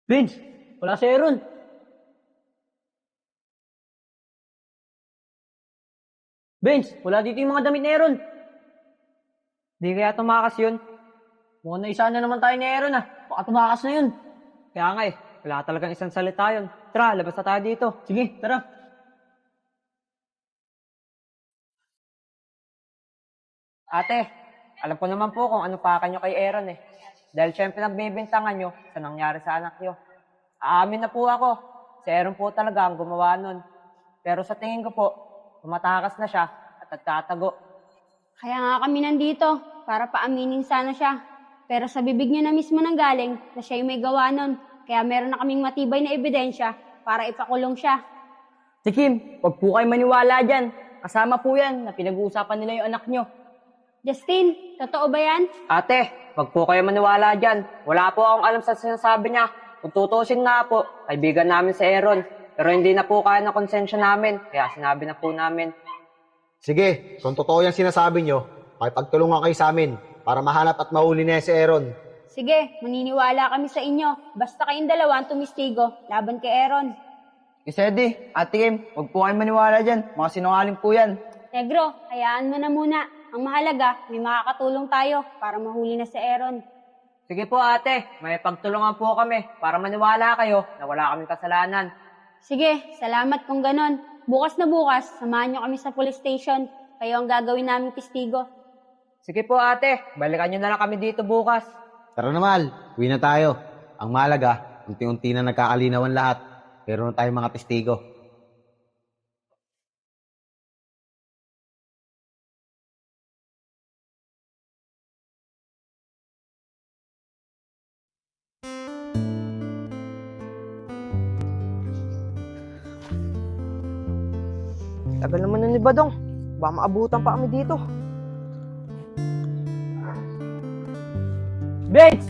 Vince, wala si Aaron. Vince, wala dito yung mga damit ni Aaron. Di kaya tumakas yun. Mukhang naisa na naman tayo ni Aaron ah. Baka tumakas na yun. Kaya nga eh, wala talagang isang salita yun. Tara, labas na tayo dito. Sige, tara. Ate, alam ko naman po kung ano pa kanyo kay Aaron eh. Dahil syempre nagbibintangan nyo sa nangyari sa anak nyo. Aamin na po ako. Si Aaron po talaga ang gumawa nun. Pero sa tingin ko po, tumatakas na siya at nagtatago. Kaya nga kami nandito, para paaminin sana siya. Pero sa bibig niya na mismo nang galing na siya yung may gawa nun. Kaya meron na kaming matibay na ebidensya para ipakulong siya. Si Kim, huwag po kayo maniwala dyan. Kasama po yan na pinag-uusapan nila yung anak nyo. Justin, totoo ba yan? Ate, wag po kayo maniwala dyan. Wala po akong alam sa sinasabi niya. Kung tutusin nga po, kaibigan namin si Aaron. Pero hindi na po kaya ng konsensya namin. Kaya sinabi na po namin. Sige, kung totoo yung sinasabi nyo, pakipagtulungan kayo sa amin para mahanap at mahuli na si Aaron. Sige, maniniwala kami sa inyo. Basta kayong dalawa ang tumistigo laban kay Aaron. Isedi, Ate Kim, wag po kayo maniwala dyan. Mga sinungaling po yan. Negro, hayaan mo na muna. Ang mahalaga, may makakatulong tayo para mahuli na si Aaron. Sige po ate, may pagtulungan po kami para maniwala kayo na wala kaming kasalanan. Sige, salamat kung ganon. Bukas na bukas, samahan nyo kami sa police station. Kayo ang gagawin naming testigo. Sige po ate, balikan nyo na lang kami dito bukas. Tara na Mal, uwi na tayo. Ang malaga, unti-unti na nagkakalinawan lahat. Pero na tayong mga testigo. Tagal naman nun ni Badong. Baka maabutan pa kami dito. Bates!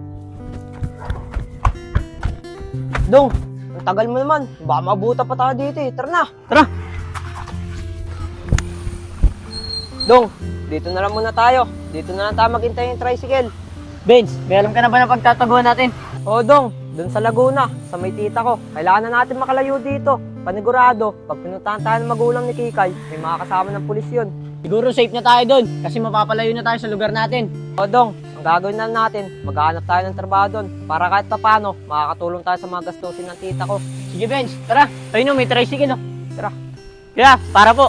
Dong, ang tagal mo naman. Baka maabutan pa tayo dito eh. Tara na! Tara! Dong, dito na lang muna tayo. Dito na lang tayo maghintay yung tricycle. Benz, may alam ka na ba na pagtataguan natin? Oo, Dong. Doon sa Laguna, sa may tita ko. Kailangan na natin makalayo dito. Panigurado, pag pinuntahan tayo ng magulang ni Kikay, may mga kasama ng pulis yun. Siguro safe na tayo doon kasi mapapalayo na tayo sa lugar natin. O Dong, ang gagawin na natin, maghahanap tayo ng trabaho doon para kahit paano makakatulong tayo sa mga gastusin ng tita ko. Sige Benz, tara. Ayun o, may tricycle o. Tara. Kaya, para po.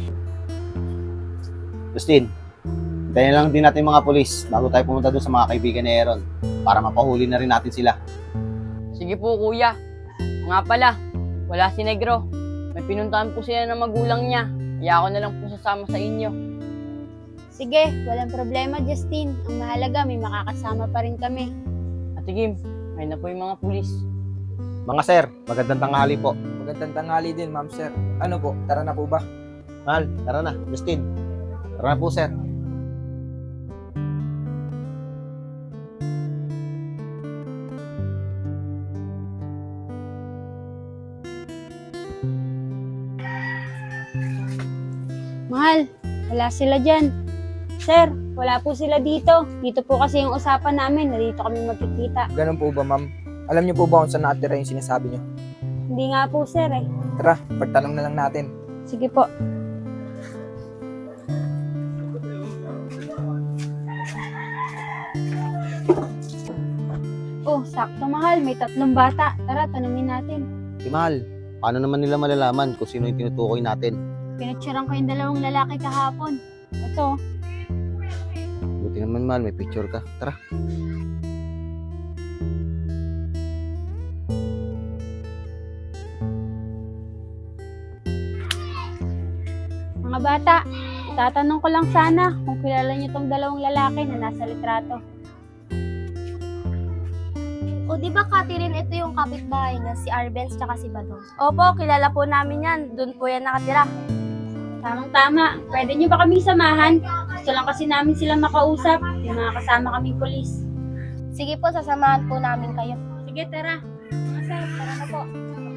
Justin, hintayin lang din natin mga polis bago tayo pumunta doon sa mga kaibigan ni Aaron para mapahuli na rin natin sila. Sige po kuya. Nga pala, wala si Negro. May pinuntahan po sila ng magulang niya. Kaya ako na lang po sasama sa inyo. Sige, walang problema, Justin. Ang mahalaga, may makakasama pa rin kami. Ate Kim, ayun na po yung mga pulis. Mga sir, magandang tanghali po. Magandang tanghali din, ma'am sir. Ano po, tara na po ba? Mal, tara na. Justin, tara na po sir. Mahal, wala sila dyan. Sir, wala po sila dito. Dito po kasi yung usapan namin na dito kami magkikita. Ganun po ba, ma'am? Alam niyo po ba kung saan nakatira yung sinasabi niyo? Hindi nga po, sir eh. Tara, pagtanong na lang natin. Sige po. Oh, sakto mahal. May 3 bata. Tara, tanungin natin. Si Mal, paano naman nila malalaman kung sino yung tinutukoy natin? Pinatsyarang ko yung 2 lalaki kahapon. Ito, Buti naman Mal, may picture ka. Tara. mga bata. Itatanong ko lang sana kung kilala niyo tong 2 lalaki na nasa litrato. O di ba Catherine, ito yung kapitbahay niya, si Arbenz tsaka si Badong. Opo, kilala po namin yan. Doon po yan nakatira. Tamang-tama. Pwede niyo ba kami samahan? Gusto lang kasi namin sila makausap. Yung mga kasama kaming polis. Sige po, sasamahan po namin kayo. Sige, tara. Mga sir, tara na po.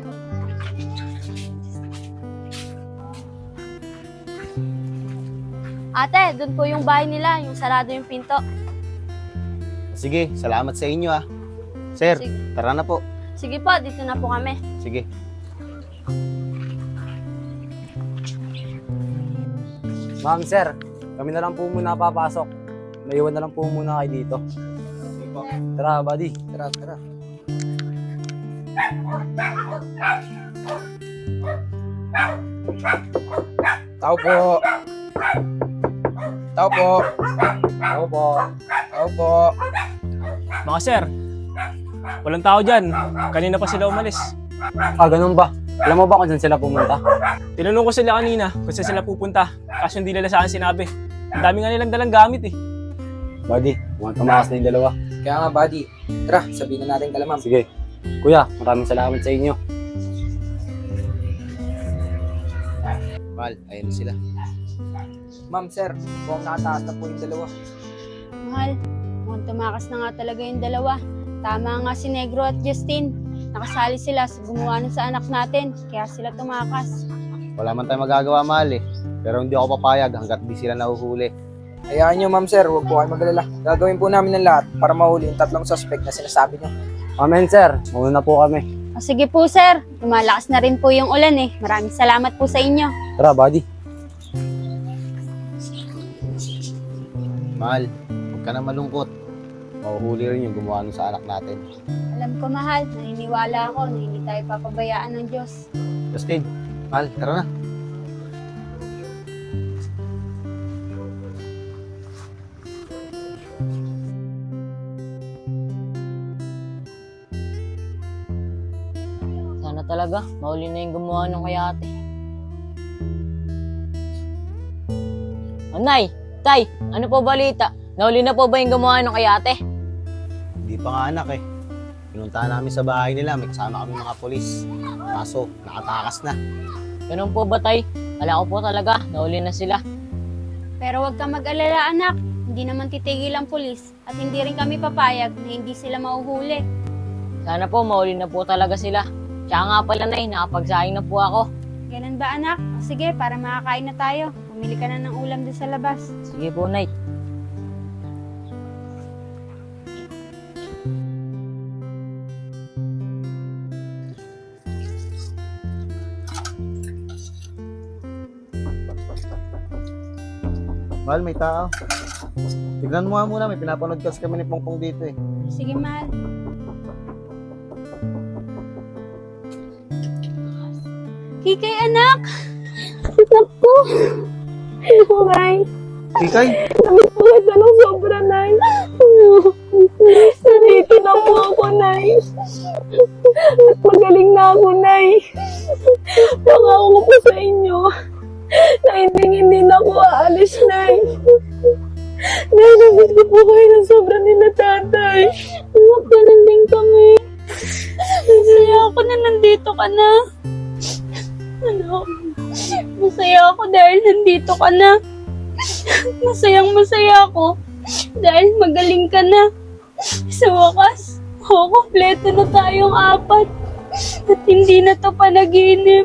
Ate, doon po yung bahay nila, yung sarado yung pinto. Sige, salamat sa inyo ah. Sir, Sige. tara na po. Sige po, dito na po kami. Sige. Ma'am, sir, kami na lang po muna papasok. Maiwan na lang po muna kayo dito. Tara, buddy. Tara, tara. Tao po. Tao po. Ako po. Tao po. Mga sir, walang tao dyan. Kanina pa sila umalis. Ah, ganun ba? Alam mo ba kung saan sila pumunta? Tinanong ko sila kanina kung saan sila pupunta. Kaso hindi nila sa akin sinabi. Ang dami nga nilang dalang gamit eh. Buddy, mukhang tumakas na yung dalawa. Kaya nga, buddy. Tara, sabihin na natin kala ma'am. Sige. Kuya, maraming salamat sa inyo. Mahal, ayun na sila. Ma'am, sir, mukhang nakataas na po yung dalawa. Mahal, mukhang tumakas na nga talaga yung dalawa. Tama nga si Negro at Justin. Nakasali sila sa gumawa nun sa anak natin, kaya sila tumakas. Wala man tayong magagawa, mahal eh. Pero hindi ako papayag hanggat di sila nahuhuli. Hayaan nyo, ma'am, sir. Huwag po kayo magalala. Gagawin po namin ng lahat para mahuli yung 3 suspect na sinasabi nyo. Amen, sir. Mauna na po kami. O sige po sir, lumalakas na rin po yung ulan eh. Maraming salamat po sa inyo. Tara, buddy. Mahal, huwag ka na malungkot. Mahuhuli rin yung gumawa nun sa anak natin. Alam ko mahal, naniniwala ako na hindi tayo papabayaan ng Diyos. Justin, mahal, tara na. Sana talaga, mahuli na yung gumawa ng kay ate. Nay, tay, ano po balita? Nahuli na po ba yung gumawa ng kay ate? Hindi pa nga anak eh. Pinuntahan namin sa bahay nila, may kasama kami mga polis. Kaso, nakatakas na. Ganun po ba tay? Kala ko po talaga, nahuli na sila. Pero huwag kang mag-alala anak, hindi naman titigil ang pulis at hindi rin kami papayag na hindi sila mahuhuli. Sana po mahuli na po talaga sila. Tsaka nga pala nay, nakapagsaing na po ako. Ganun ba anak? O sige, para makakain na tayo. Pumili ka na ng ulam doon sa labas. Sige po nay. Mahal, may tao. Tignan mo nga muna, may pinapanood kasi kami ni Pongpong dito eh. Sige mahal. Kikay anak! Naku! Naku, Nay! Kikay, Namiss po kita ng sobra, Nay! Nandito na po ako, Nay! At magaling na ako, Nay! Nangako ko po sa inyo na hindi na ako aalis, Nay! Nay, namiss ko po kayo ng sobra nila, Tatay! Anak, ganun din kami! Masaya ako na nandito ka na! Ano? Masaya ako dahil nandito ka na. Masayang masaya ako dahil magaling ka na. Sa wakas, kompleto na tayong 4 at hindi na to panaginip.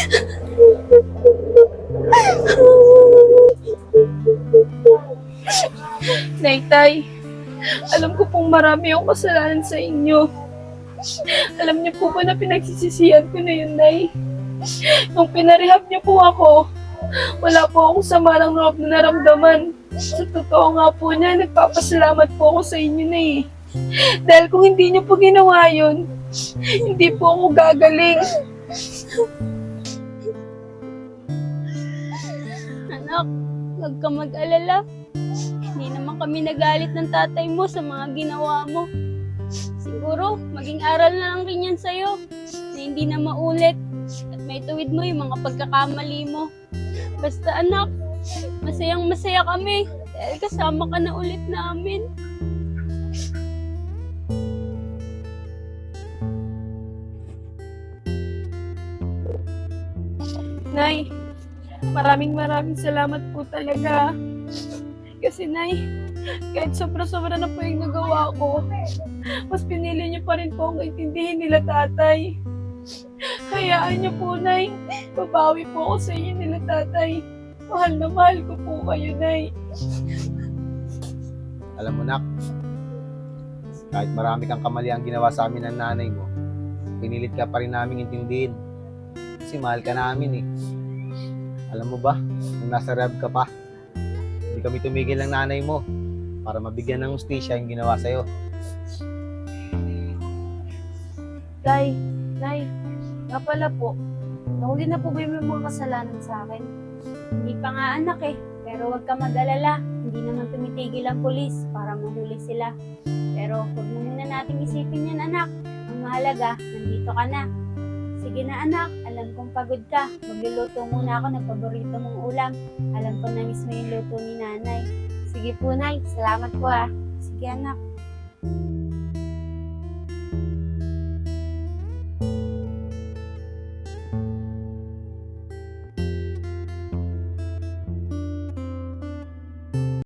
Nay, alam ko pong marami akong kasalanan sa inyo. Alam niyo po ba na pinagsisisihan ko na yun, Nay? Nung pinarehab niyo po ako, wala po akong sama ng loob na naramdaman. Sa totoo nga po niya, nagpapasalamat po ako sa inyo na eh. Dahil kung hindi niyo po ginawa yun, hindi po ako gagaling. Anak, huwag ka mag-alala. Hindi naman kami nagalit ng tatay mo sa mga ginawa mo. Siguro, maging aral na lang rin yan sa'yo na hindi na maulit at may tuwid mo yung mga pagkakamali mo. Basta anak, masayang masaya kami dahil kasama ka na ulit namin. Nay, maraming salamat po talaga. Kasi Nay, kahit sobra-sobra na po yung nagawa ko, mas pinili niyo pa rin po ang intindihin nila tatay. Hayaan niyo po, Nay. Babawi po ako sa inyo nila tatay. Mahal na mahal ko po kayo, Nay. alam mo nak, kahit marami kang kamali ang ginawa sa amin ng nanay mo, pinilit ka pa rin namin intindihin. Kasi mahal ka namin eh. Alam mo ba, nung nasa rehab ka pa, hindi kami tumigil ng nanay mo para mabigyan ng hustisya yung ginawa sa'yo. Tay, Nay, nga pala po, nahuli na po ba yung mga kasalanan sa akin? Hindi pa nga anak eh, pero huwag ka mag-alala. Hindi naman tumitigil ang pulis para mahuli sila. Pero huwag mo muna nating isipin yan anak. Ang mahalaga, nandito ka na. Sige na anak, alam kong pagod ka. Magluluto muna ako ng paborito mong ulam. Alam ko na mismo yung luto ni nanay. Sige po, Nay. Salamat po ah. Sige anak.